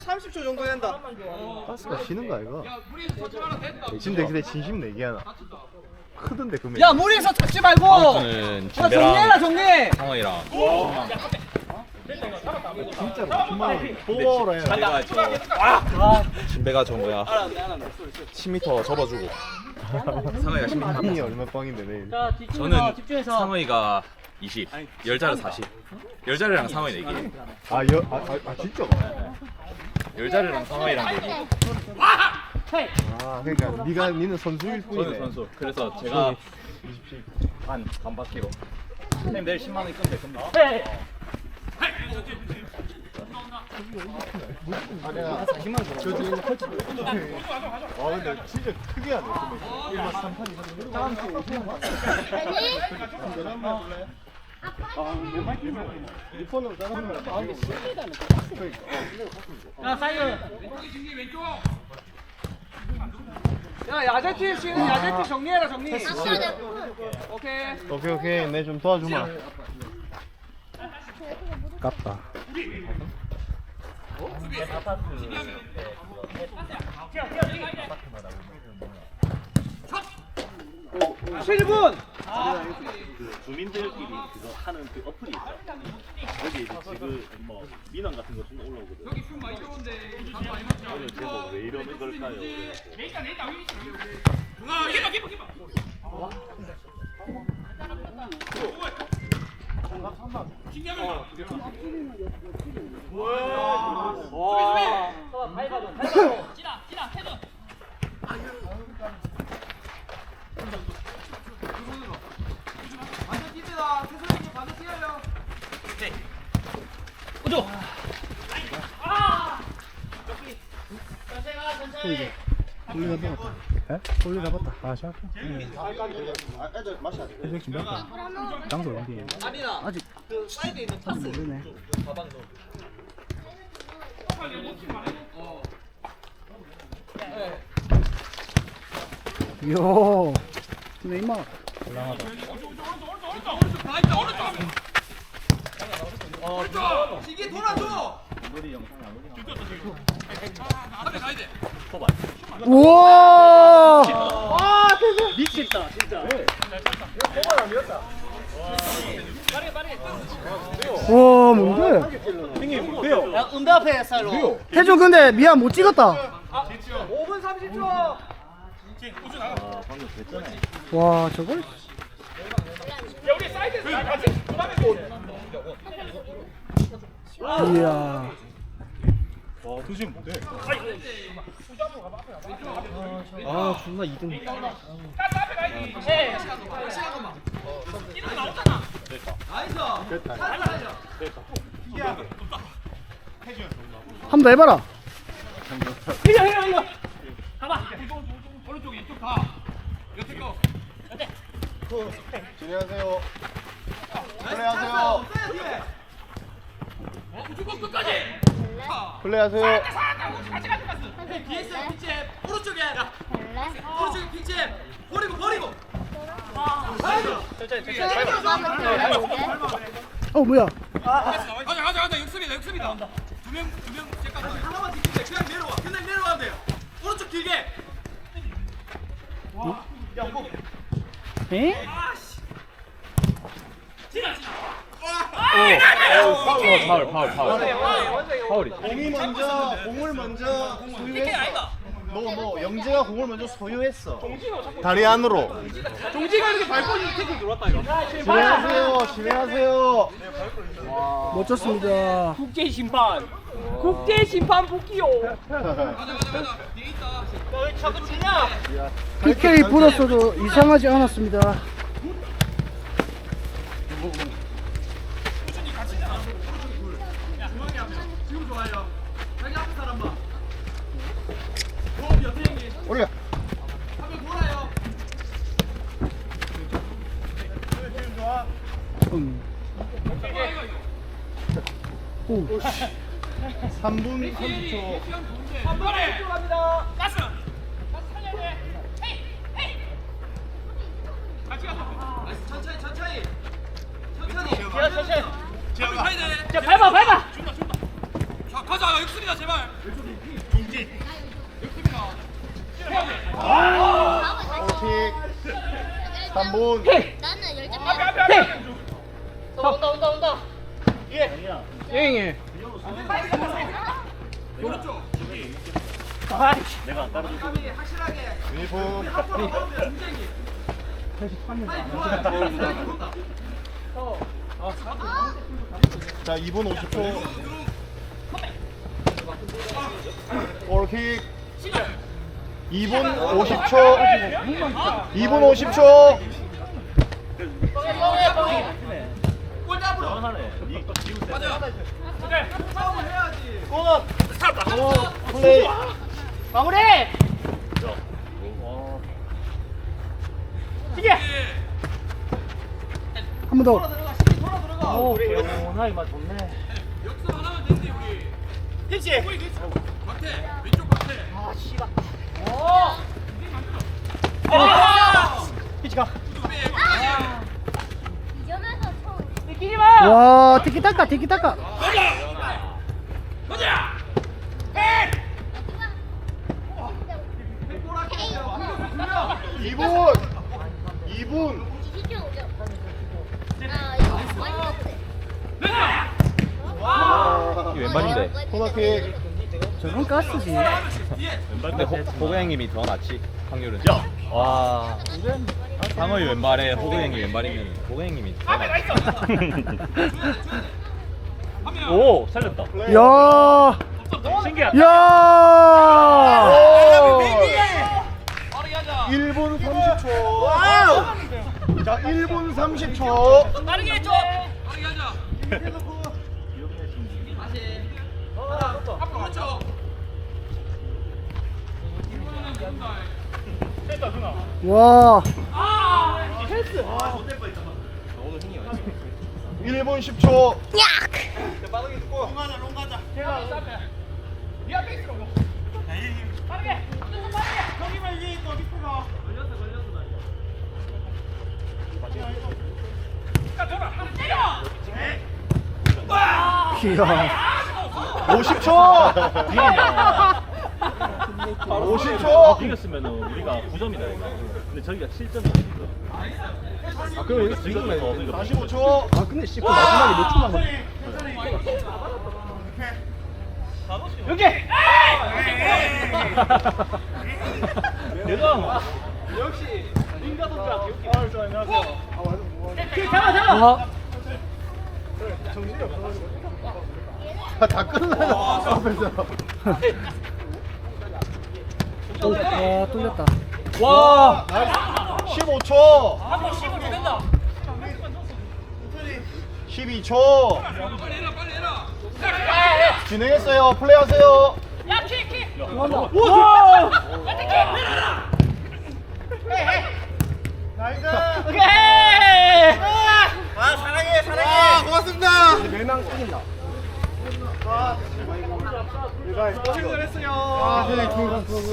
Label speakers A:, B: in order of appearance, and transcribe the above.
A: 30초 정도 된다.
B: 가스가 쉬는 거 아이가? 진짜 근데 진심 내기하나? 크던데 금액.
A: 야 무리해서 잡지 말고.
C: 카운트는
A: 정리해라
C: 진배랑
A: 정리.
C: 상어이랑
B: 진짜로 10만 원. 보호라 해라.
C: 진배가 저 뭐야 10m 접어주고 상어이가 10m
B: 이 얼마 빵인데 내일.
C: 저는 상어이가 20 열자를 40 열자리랑 상어이 내기
B: 아 진짜?
C: 열자리랑 상어이랑 내기
B: 아 그러니까 니는 선수일 뿐이네.
C: 저는 선수 그래서 제가 20씩 반 바퀴로 선생님 내일 10만 원 입금 될 겁니다.
B: 아 내가 40만 원 저 지금 헐치. 아 근데 진짜 크게 하네 금액. 1만 3판이 다음 주에 50만 원. 리폰으로 짜장면 마음이 심리다는
A: 야 사이드. 야 야제팀 쉬는 야제팀 정리해라 정리. 오케이.
B: 오케이 내 좀 도와주마. 깝다.
A: 실분.
D: 그 주민들끼리 그거 하는 그 어플이 있죠. 여기 이제 지금 뭐 민원 같은 거 좀 올라오거든. 여기 술 많이 좋은데 오늘 제목 왜 이러는 걸까요?
B: 돌리 잡았다. 에? 돌리 잡았다. 아 시작.
D: 애들 마셔야 돼.
B: 해적 준비할까? 장소 어디?
A: 아직 그 사이드에 있는 타스.
B: 모르네. 요. 네이마.
A: 이게 돌아줘.
B: 우와.
A: 미쳤다 진짜.
B: 와 뭔데?
A: 야 음대 앞에 스타일로.
B: 태준 근데 미안 못 찍었다.
A: 5분 30초.
D: 방금 됐잖아.
B: 와 저걸? 이야.
D: 와 도저히 못해.
B: 아 존나 2등. 한 번 더 해봐라. 진행하세요. 플레이하세요. 플레이하세요.
A: BS pitch 오른쪽에. 오른쪽에 pitch 버리고.
B: 어 뭐야?
A: 가자 역습이다. 두명 잠깐 하나만 지키면 돼. 그냥 내려가면 돼요. 오른쪽 길게.
B: 에?
C: 파울이
B: 공을 먼저 소유했어. 너 영재가 공을 먼저 소유했어. 다리 안으로.
A: 종지가 이렇게 밟고 있는 태클 들어왔다 이거.
B: 진행하세요.
E: 멋졌습니다.
A: 국제 심판 복귀요. 가자. 뒤에 있다. 너왜 자꾸 주냐?
E: PK 불었어도 이상하지 않았습니다.
A: 지금 좋아요. 자기 앞에 사람 봐. 호흡 옆에 형님.
B: 올려.
A: 한명 돌아요.
E: 오.
B: 3분 30초.
A: 한 번에 들어갑니다. 가스 살려야 돼. 헤이. 같이 가자. 천천히. 천천히. 야, 밟아. 준다. 가자 육수입니다 제발.
B: 킥 3분
F: 나는 열정
E: 예.
D: 내가 안 따라줘.
B: 유니폼 자 2분 50초 골킥 2분 50초 2분 50초
D: 하네.
B: 플레이
E: 한 번 더.
C: 나이 맛 좋네.
A: 역습 하나만 됐니 우리. 그렇지. 박태 왼쪽 박태.
F: 이점에서 처음
E: 와, 티키타카, 티키타카.
A: 가자.
B: 2분 2분
F: 이기죠 오죠. 아 이거 많이 먹었대.
C: 이게 왼발인데.
B: 코너킥
E: 저건 가스지.
C: 근데 호구 형님이 더 낫지 확률은. 야. 와. 상어이 왼발에 호구 형이 왼발이면 호구 형님이 더 낫지. 오 살렸다.
E: 야,
D: 신기하다.
E: 야.
B: 1분 30초 자 1분 30초
A: 빠르게 하자. 앞으로 그렇죠.
B: 1분 10초
E: 이야.
B: 50초 50초
D: 이겼으면 우리가 9점이다. 근데 저기가 7점이야.
B: 아 그럼 여기
D: 지금
B: 45초
E: 아, 근데 씨, 그 마지막에 몇 초만 걸.
D: 내가
E: 와,
B: 다 끝나요 앞에서
E: 오, 와, 뚫렸다.
B: 와 15초 12초
A: 빨리 해라.
B: 진행했어요 플레이하세요 와 고맙습니다
E: 멸망 땡긴다.
B: 고생했어요 아, 네,